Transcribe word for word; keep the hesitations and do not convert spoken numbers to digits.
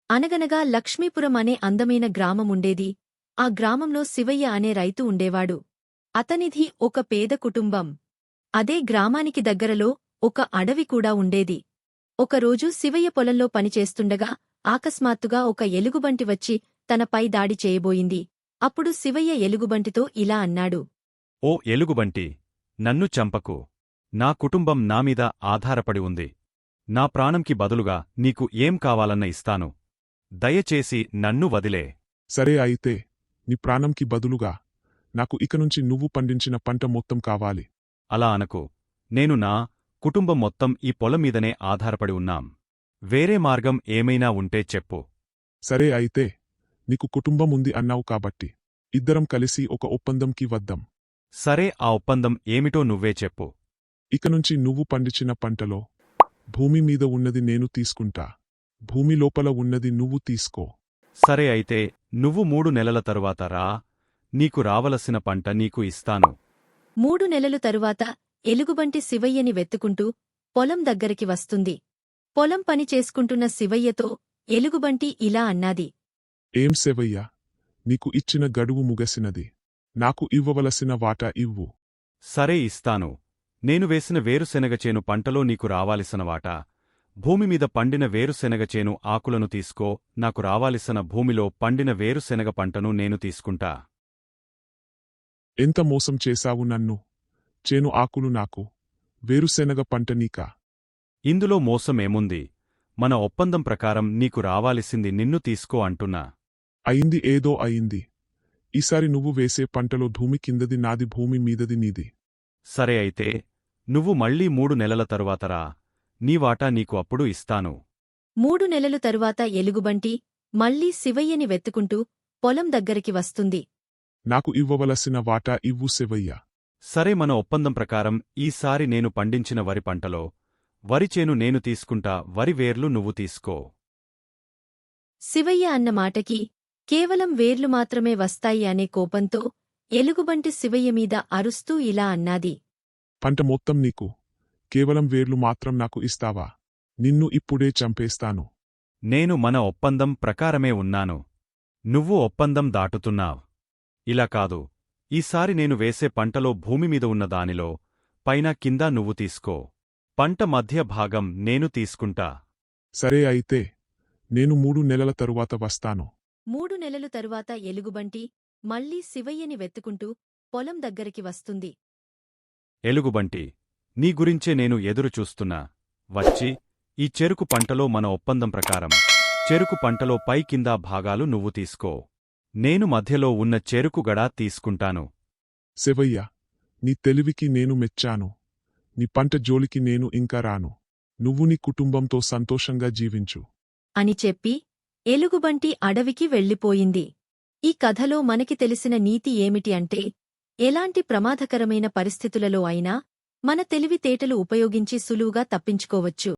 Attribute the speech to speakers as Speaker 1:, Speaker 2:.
Speaker 1: అనగనగా లక్ష్మీపురం అనే అందమైన గ్రామముండేది. ఆ గ్రామంలో శివయ్య అనే రైతు ఉండేవాడు. అతనిది ఒక పేద కుటుంబం. అదే గ్రామానికి దగ్గరలో ఒక అడవి కూడా ఉండేది. ఒకరోజు శివయ్య పొలంలో పనిచేస్తుండగా ఆకస్మాత్తుగా ఒక ఎలుగుబంటి వచ్చి తనపై దాడి చేయబోయింది. అప్పుడు శివయ్య ఎలుగుబంటితో ఇలా అన్నాడు.
Speaker 2: ఓ ఎలుగుబంటి, నన్ను చంపకు. నా కుటుంబం నామీద ఆధారపడి ఉంది. నా ప్రాణంకి బదులుగా నీకు ఏం కావాలన్న ఇస్తాను. దయచేసి నన్ను వదిలే.
Speaker 3: సరే అయితే, నీ ప్రాణంకి బదులుగా నాకు ఇకనుంచి నువ్వు పండించిన పంట మొత్తం కావాలి.
Speaker 2: అలా అనకు. నేను నా కుటుంబం మొత్తం ఈ పొలంమీదనే ఆధారపడి ఉన్నాం. వేరే మార్గం ఏమైనా ఉంటే చెప్పు.
Speaker 3: సరే అయితే, నీకు కుటుంబం ఉంది అన్నావు కాబట్టి ఇద్దరం కలిసి ఒక ఒప్పందంకి వద్దాం.
Speaker 2: సరే, ఆ ఒప్పందం ఏమిటో నువ్వే చెప్పు.
Speaker 3: ఇకనుంచి నువ్వు పండించిన పంటలో భూమి మీద ఉన్నది నేను తీసుకుంటా, భూమి లోపల ఉన్నది నువ్వు తీసుకో.
Speaker 2: సరే అయితే, నువ్వు మూడు నెలల తరువాత రా. నీకు రావలసిన పంట నీకు ఇస్తాను.
Speaker 1: మూడు నెలలు తరువాత ఎలుగుబంటి శివయ్యని వెతుకుంటూ పొలం దగ్గరికి వస్తుంది. పొలం పని చేసుకుంటున్న శివయ్యతో ఎలుగుబంటి ఇలా అన్నాది.
Speaker 3: ఏం శివయ్య, నీకు ఇచ్చిన గడువు ముగసినది. నాకు ఇవ్వవలసిన వాటా ఇవ్వు.
Speaker 2: సరే, ఇస్తాను. నేను వేసిన వేరుశెనగచేను పంటలో నీకు రావాల్సిన వాటా, భూమిమీద పండిన వేరుశెనగచేను ఆకులను తీసుకో. నాకు రావాల్సిన భూమిలో పండిన వేరుశెనగ పంటను నేను తీసుకుంటా.
Speaker 3: ఎంత మోసం చేశావు నన్ను! చేను ఆకులు నాకు, వేరుశెనగ పంట నీకా?
Speaker 2: ఇందులో మోసమేముంది? మన ఒప్పందం ప్రకారం నీకు రావాల్సింది నిన్ను తీసుకో అంటున్నా.
Speaker 3: అయింది ఏదో అయింది. ఈసారి నువ్వు వేసే పంటలో భూమి కిందది నాది, భూమి మీదది నీది.
Speaker 2: సరే అయితే, నువ్వు మళ్ళీ మూడు నెలల తరువాత రా. నీ వాటా నీకు అప్పుడు ఇస్తాను.
Speaker 1: మూడు నెలలు తరువాత ఎలుగుబంటి మళ్లీ శివయ్యని వెతుకుంటూ పొలం దగ్గరికి వస్తుంది.
Speaker 3: నాకు ఇవ్వవలసిన వాటా ఇవ్వు శివయ్య.
Speaker 2: సరే, మన ఒప్పందం ప్రకారం ఈసారి నేను పండించిన వరి పంటలో వరిచేను నేను తీసుకుంటా, వరి వేర్లు నువ్వు తీసుకో.
Speaker 1: శివయ్య అన్న మాటకి కేవలం వేర్లు మాత్రమే వస్తాయి అనే కోపంతో ఎలుగుబంటి శివయ్య మీద అరుస్తూ ఇలా అన్నాది.
Speaker 3: పంట మొత్తం నీకు, కేవలం వేర్లు మాత్రం నాకు ఇస్తావా? నిన్ను ఇప్పుడే చంపేస్తాను.
Speaker 2: నేను మన ఒప్పందం ప్రకారమే ఉన్నాను. నువ్వు ఒప్పందం దాటుతున్నావ్. ఇలా కాదు, ఈసారి నేను వేసే పంటలో భూమిమీద ఉన్న దానిలో పైన కింద నువ్వు తీసుకో. పంట మధ్య భాగం నేను తీసుకుంటా.
Speaker 3: సరే అయితే, నేను మూడు నెలల తరువాత వస్తాను.
Speaker 1: మూడు నెలలు తరువాత ఎలుగుబంటి మళ్లీ శివయ్యని వెతుకుంటూ పొలం దగ్గరికి వస్తుంది.
Speaker 2: ఎలుగుబంటి, నీ గురించే నేను ఎదురుచూస్తున్నా. వచ్చి ఈ చెరుకు పంటలో మన ఒప్పందం ప్రకారం చెరుకు పంటలో పై కింద భాగాలు నువ్వు తీసుకో. నేను మధ్యలో ఉన్న చెరుకు గడా తీసుకుంటాను.
Speaker 3: శివయ్య, నీ తెలివికి నేను మెచ్చాను. నీ పంట జోలికి నేను ఇంకా రాను. నువ్వు నీ కుటుంబంతో సంతోషంగా జీవించు
Speaker 1: అని చెప్పి ఎలుగుబంటి అడవికి వెళ్ళిపోయింది. ఈ కథలో మనకి తెలిసిన నీతి ఏమిటి అంటే, ఎలాంటి ప్రమాదకరమైన పరిస్థితులలో అయినా మన తెలివితేటలు ఉపయోగించి సులువుగా తప్పించుకోవచ్చు.